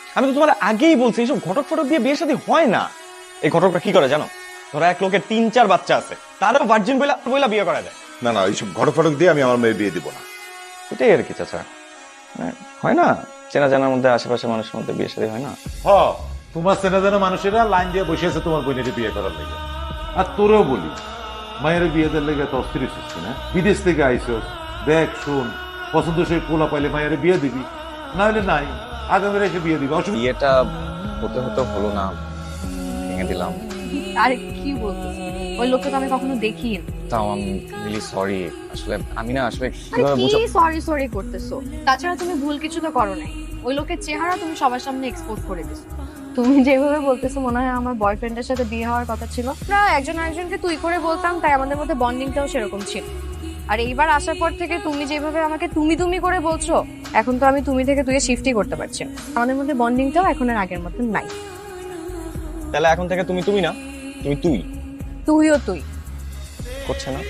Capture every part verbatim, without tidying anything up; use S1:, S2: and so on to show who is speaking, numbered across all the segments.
S1: আমি তো তোমার আগেই বলছি এইসব ঘটক ফটক দিয়ে বিয়ের সাথে হয় না। এই ঘটকরা কি করে জানো? ধরো এক লোকের তিন চার বাচ্চা আছে, তারও ভার্জিন বইলা বইলা বিয়ে করা যায়।
S2: না না, এইসব ঘটক ফটক দিয়ে আমি আমার মেয়ের বিয়ে দিব না।
S1: এটাই আর কি চাচা, মানে হয় না চেনা জানার মধ্যে আশেপাশে মানুষের মধ্যে বিয়ে সাথে হয় না।
S3: হ, তোমার চেনা জানা মানুষেরা লাইন দিয়ে বসে আছে তোমার বোনের বিয়ে করার লেগে। আর তোরেও বলি, মায়ের বিয়ে দেওয়ার লেগে তো অস্থির হচ্ছিস না, বিদেশ থেকে আইসস, দেখ শোন পছন্দ সেই পোলা পাইলে মায়ের বিয়ে দিবি, না হলে নাই, আগামী রেখে বিয়ে দিবি, অসুবিধা।
S1: বিয়েটা হতে হতে হলো না, ভেঙে দিলাম।
S4: আরে কি বলছিস, ওই লোককে তো আমি কখনো দেখিনি।
S1: তাও আমি রিয়েলি সরি, আসলে আমি না আসলে
S4: আরে
S1: কিভাবে
S4: কি
S1: বুঝাবো।
S4: সরি সরি করতেছো? তাছাড়া তুমি ভুল কিছু তো করো নাই, ওই লোকের চেহারা তুমি সবার সামনে এক্সপোজ করে দিছো। তুমি যেভাবে বলতেছো মনে হয় আমার বয়ফ্রেন্ডের সাথে বিয়ে হওয়ার কথা ছিল। আমরা একজন আরেকজনকে তুই করে বলতাম, তাই আমাদের মধ্যে বন্ডিংটাও সেরকম ছিল। আর এইবার আসার পর থেকে তুমি যেভাবে আমাকে তুমি তুমি করে বলছো, এখন তো আমি তুমি থেকে তুই শিফটই করতে পারছি না। আমাদের মধ্যে বন্ডিংটাও এখন আর আগের মতন নাই।
S1: তাহলে এখন থেকে তুমি তুমি না, তুমি তুই
S4: তুইও তুই
S1: করছে না।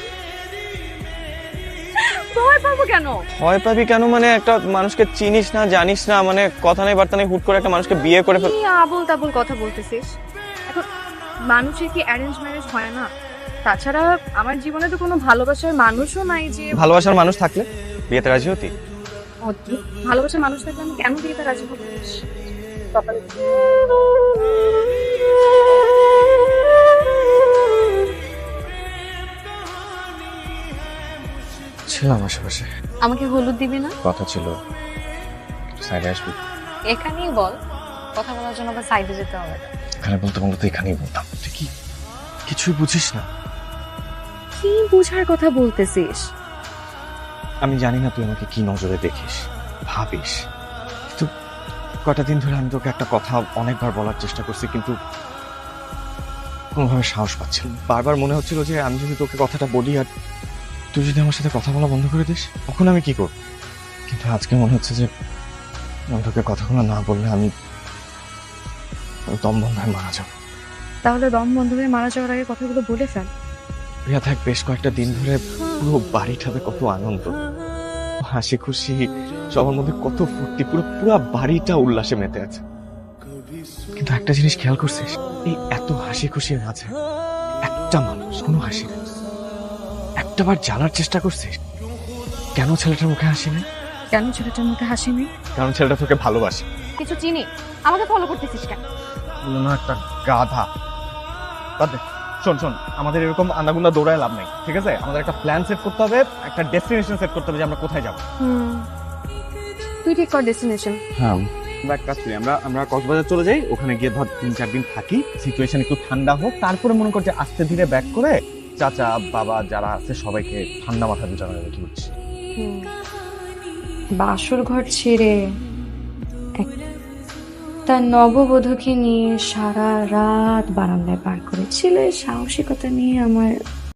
S4: ভয় পাবো কেন?
S1: ভয় পাবি কেন মানে একটা মানুষকে চিনিস না জানিস না, মানে কথা নেই বার্তা নেই, হুট করে একটা মানুষকে বিয়ে করে ফেল।
S4: কি আবল তাবল কথা বলতেছিস? এখন মানুষের কি অ্যারেঞ্জ ম্যারেজ হয় না? তাছাড়া আমার জীবনে তো কোনো ভালোবাসার মানুষও নাই যে
S1: ভালোবাসার মানুষ থাকলে বিয়েতে রাজি হতি?
S4: অদ্ভুত, ভালোবাসার মানুষ থাকলে আমি কেন বিয়েতে রাজি হবো? কপালে
S1: ছিলাম আশেপাশে,
S4: আমাকে হলুদ দিবি না?
S1: কথা ছিল সাইডে আসবি।
S4: এখানেই বল, কথা বলার জন্য আবার সাইডে যেতে হবে না।
S1: এখানে বলতে বলতে এখানেই বলতাম, তুই কি কিছুই বুঝিস না?
S4: কি বুঝার কথা বলতেছিস?
S1: আমি জানি না তুই আমাকে কি নজরে দেখিস ভাবিস, কিন্তু কটা দিন ধরে আমি তোকে একটা কথা অনেকবার বলার চেষ্টা করছি, কিন্তু কোনোভাবে সাহস পাচ্ছি না। বারবার মনে হচ্ছিল যে আমি যদি তোকে কথাটা বলি আর তুই যদি আমার সাথে কথা বলা বন্ধ করে দিস, তখন আমি কি করব। কিন্তু আজকে মনে হচ্ছে যে আমি তোকে কথাগুলো না বললে আমি আমি দম বন্ধ হয়ে মারা যাবো।
S4: তাহলে দম বন্ধ হয়ে মারা যাওয়ার আগে কথাগুলো বলে ফেল।
S1: প্রিয়া থাক, বেশ কয়েকটা দিন ধরে পুরো বাড়িটাতে কত আনন্দ, হাসি খুশি, সবার মধ্যে কত ফুর্তি, পুরো পুরো বাড়িটা উল্লাসে মেতে আছে। কিন্তু একটা জিনিস খেয়াল করছিস, এই এত হাসি খুশির মাঝে একটা মানুষ কোনো হাসি নেই। একটা বার জানার চেষ্টা করছিস কেন ছেলেটার মুখে হাসি নেই?
S4: কেন ছেলেটার মুখে হাসি নেই?
S1: কারণ ছেলেটা তোকে ভালোবাসে।
S4: কিছু চিনি, আমাকে ফলো করতেছিস কেন?
S1: বললো না একটা গাধা। বাদ দে। শোন শোন, আমাদের এরকম আন্দাগুন্ডা দৌড়ায় লাভ নাই, ঠিক আছে? আমাদের একটা প্ল্যান সেট করতে হবে, একটা ডেস্টিনেশন সেট করতে হবে যে আমরা কোথায় যাবো।
S4: হুম, তুই ঠিক কর ডেস্টিনেশন।
S1: হ্যাঁ, আমরা এক কাজ করি, আমরা আমরা কক্সবাজার চলে যাই, ওখানে গিয়ে ধর তিন চার দিন থাকি, সিচুয়েশন একটু ঠান্ডা হোক, তারপরে মনে কর যে আস্তে ধীরে ব্যাক করে চাচা বাবা যারা আছে সবাইকে ঠান্ডা মাথা দিয়ে জানাবে। কি বলছিস?
S4: বাসর ঘর ছেড়ে একটা নববধূকে নিয়ে সারা রাত বারান্দায় পার করেছিলে, সাহসিকতা নিয়ে আমার